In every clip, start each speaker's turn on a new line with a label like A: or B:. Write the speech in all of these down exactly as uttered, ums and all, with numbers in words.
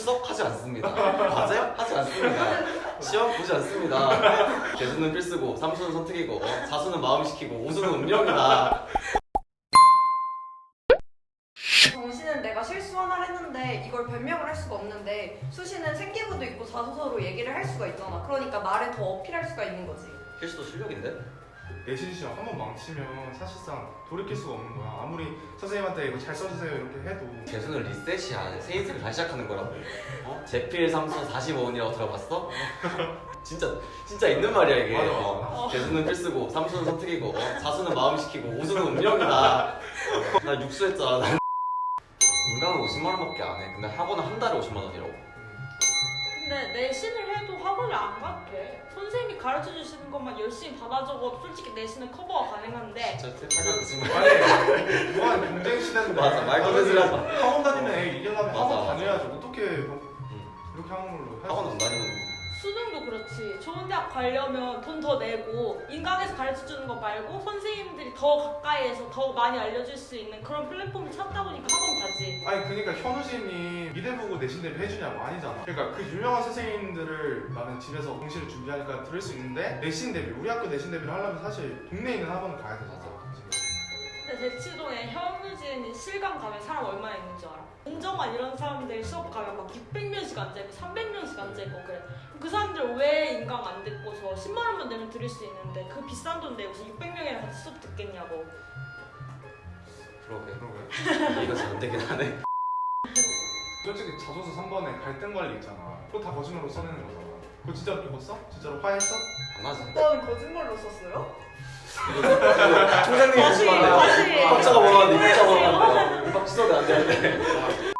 A: 출석하지 않습니다. 과제 하지 않습니다. 시험 보지 않습니다. 대수는 필수고 삼수는 선택이고 사수는 마음시키고 오수는 운명이다.
B: 정시는 내가 실수 하나를 했는데 이걸 변명을 할 수가 없는데 수시는 생기부도 있고 자소서로 얘기를 할 수가 있잖아. 그러니까 나를 더 어필할 수가 있는 거지.
A: 필수도 실력인데?
C: 내신 시험 한 번 망치면 사실상 돌이킬 수가 없는 거야. 아무리 선생님한테 이거 잘 써주세요 이렇게 해도
A: 대수는 리셋이 아니야. 새 인생을 다시 시작하는 거라고. 어? 제필 삼수 사십오 원이라고 들어봤어? 진짜 진짜 있는 말이야 이게.
C: 맞아, 맞아.
A: 어. 대수는 필수고 삼수는 선택이고 어? 사수는 마음시키고 오수는 운명이다. 나 육수 했잖아. 난 인강은 오십만 원밖에 안 해. 근데 학원은 한 달에 오십만 원이라고.
D: 근데 내신을 해도 학원을 안 갈게. 선생님이 가르쳐 주시는 것만 열심히 받아 적어도 솔직히 내신은 커버가 가능한데.
A: 진짜 착한 거짓말.
C: 아니 무한 경쟁 시대인데
A: 맞아, 말도 되지 마.
C: 학원 다니는 애 이기려면
A: 맞아,
C: 학원
A: 맞아.
C: 다녀야지. 어떻게 뭐
A: 응.
C: 이렇게 하는 걸로 할
A: 학원
C: 수
A: 안
C: 있어?
A: 다니면
D: 수능도 그렇지. 좋은 대학 가려면 돈 더 내고 인강에서 가르쳐 주는 거 말고 선생님들이 더 가까이에서 더 많이 알려줄 수 있는 그런 플랫폼을 찾다 보니까 학원 가지.
C: 아니 그러니까 현우진이 미대 보고 내신 대비 해주냐고 아니잖아. 그러니까 그 유명한 선생님들을 나는 집에서 공시를 준비하니까 들을 수 있는데 내신 대비 우리 학교 내신 대비를 하려면 사실 동네에 있는 학원을 가야 되잖아.
D: 근데 대치동에 현우진 실강 가면 사람 얼마나 있는 줄 알아? 은정환 이런 사람들 수업 가면 막 육백 명씩 앉아있고 삼백 명씩 앉아있고 그래. 그 사람들 왜 인강 안 듣고서 십만 원만 내면 들을 수 있는데 그 비싼 돈 내고서 육백 명이랑 같이 수업 듣겠냐고.
A: 그러게.
C: 그러게.
A: 이거 잘 안 되긴 하네.
C: 솔직히 자소서 삼 번에 갈등 관리 있잖아. 그거 다 거짓말로 써내는 거잖아. 그거 진짜로 입었어? 진짜로 화했어?
A: 안 하지.
B: 오빠는 거짓말로 썼어요?
A: 총장님이
D: 다시,
A: 조심하네요.
D: 다시.
A: 박자가 뭐라는데 박자가 뭐라는데 박 취소가 안 되는데.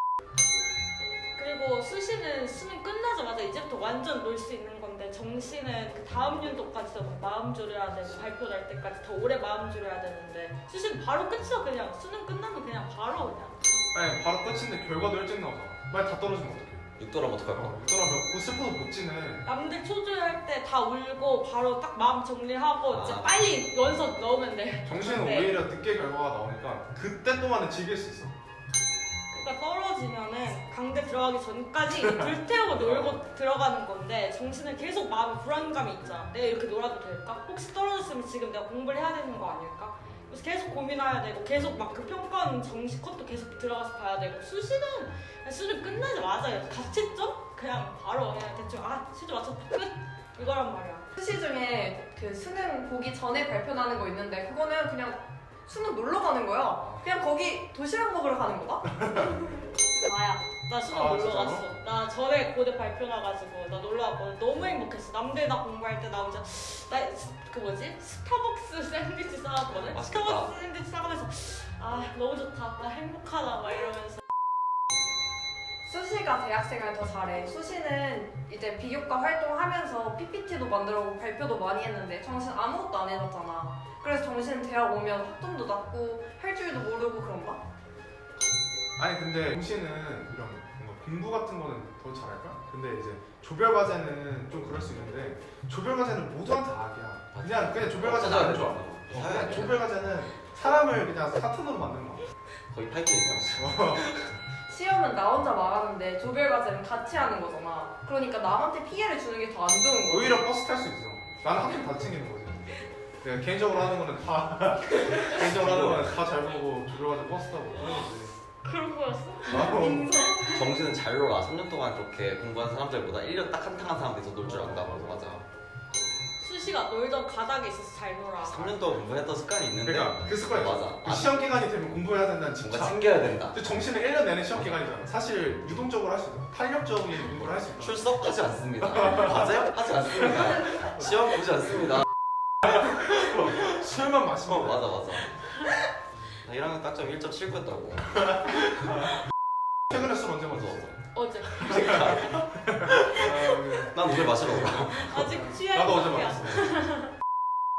D: 그리고 수시는 수능 끝나자마자 이제부터 완전 놀 수 있는 건데 정시는 그 다음 연도까지도 막 마음 졸여야 되고 발표 날 때까지 더 오래 마음 졸여야 되는데 수시는 바로 끝이야. 그냥 수능 끝나면 그냥 바로 그냥.
C: 아니 바로 끝인데 결과도 일찍 나오잖아. 만약 다 떨어지면 어떡해?
A: 육도라면 어떡할 거야?
C: 그러면 그 슬퍼서 못 지네.
D: 남들 초조할 때 다 울고 바로 딱 마음 정리하고 이제
A: 아.
D: 빨리 원서 넣으면 돼.
C: 정신은
D: 네.
C: 오히려 늦게 결과가 나오니까 그때 동안은 즐길 수 있어.
D: 그러니까 떨어지면은 강대 들어가기 전까지 불태우고 놀고 들어가는 건데 정신은 계속 마음에 불안감이 있잖아. 내가 이렇게 놀아도 될까? 혹시 떨어졌으면 지금 내가 공부를 해야 되는 거 아닐까? 그래서 계속 고민해야 되고 계속 막 그 평가하는 정시 컷도 계속 들어가서 봐야 되고 수시는 그냥 수능 끝나자마자 가채점? 그냥 바로 그냥 대충 아 시도 맞췄다 끝! 이거란 말이야.
B: 수시 중에 그 수능 보기 전에 발표나는 거 있는데 그거는 그냥 수능 놀러 가는 거야. 그냥 거기 도시락 먹으러 가는 거다?
D: 나야. 나 수능
C: 아,
D: 놀러
C: 진짜로?
D: 갔어. 나 전에 고대 발표 나가지고 나 놀러 왔거든. 너무 행복했어. 남들 다 공부할 때 나 혼자 나 그 뭐지? 스타벅스 샌드위치 싸왔거든.
A: 맛있겠다.
D: 스타벅스 샌드위치 싸가면서 아 너무 좋다. 나 행복하다 막 이러면서.
B: 수시가 대학생활 더 잘해. 수시는 이제 비교과 활동하면서 피피티도 만들어보고 발표도 많이 했는데 정신 아무것도 안 해봤잖아. 그래서 정신 대학 오면 학점도 낮고 할 줄도 모르고 그런가?
C: 아니 근데 정신은 이런 뭔가 공부 같은 거는 더 잘할까? 근데 이제 조별 과제는 좀 그럴 수 있는데 조별 과제는 모두한테 악이야. 그냥 그냥 조별 과제는 안 좋아. 어, 그냥 조별 과제는 사람을 그냥 사탄으로 만드는 거야.
A: 거의 파이팅이야.
B: 시험은 나 혼자 말하는데 조별 과제는 같이 하는 거잖아. 그러니까 남한테 피해를 주는 게 더 안 좋은 거야.
C: 오히려 버스 탈 수 있어. 나는 학점 다 챙기는 거지. 내가 개인적으로 하는 거는 다 개인적으로 하는 거는 다 잘 보고 조별 과제 버스 타고 그런 거지.
D: 그런 거였어?
C: 아,
A: 정신은 잘 놀아. 삼 년 동안 그렇게 공부한 사람들보다 일 년 딱 한탕한 사람들이 더 놀 줄 안다고. 맞아.
D: 수시가 놀던 가닥에 있어서 잘 놀아.
A: 삼 년 동안 공부했던 습관이 있는데
C: 그러니까 그 습관이
A: 맞아.
C: 그 시험 기간이 되면 공부해야 된다는
A: 뭔가
C: 집착.
A: 챙겨야 된다.
C: 근데 정신은 일 년 내내 시험 기간이잖아. 사실 유동적으로 할 수 있어. 탄력적인 공부를 할 수 있다.
A: 출석하지 않습니다. 과제 하지 않습니다. 시험 보지 않습니다.
C: 술만
A: 어
C: 마시면
A: 맞아 맞아. 나 일 학년 딱점 일 점 칠구였다고.
C: 최근에 술 언제 마셨어?
D: 어제.
C: 아,
A: 난 오늘 마시러 가.
D: 아직 취해.
C: 나도 어제 마셨어.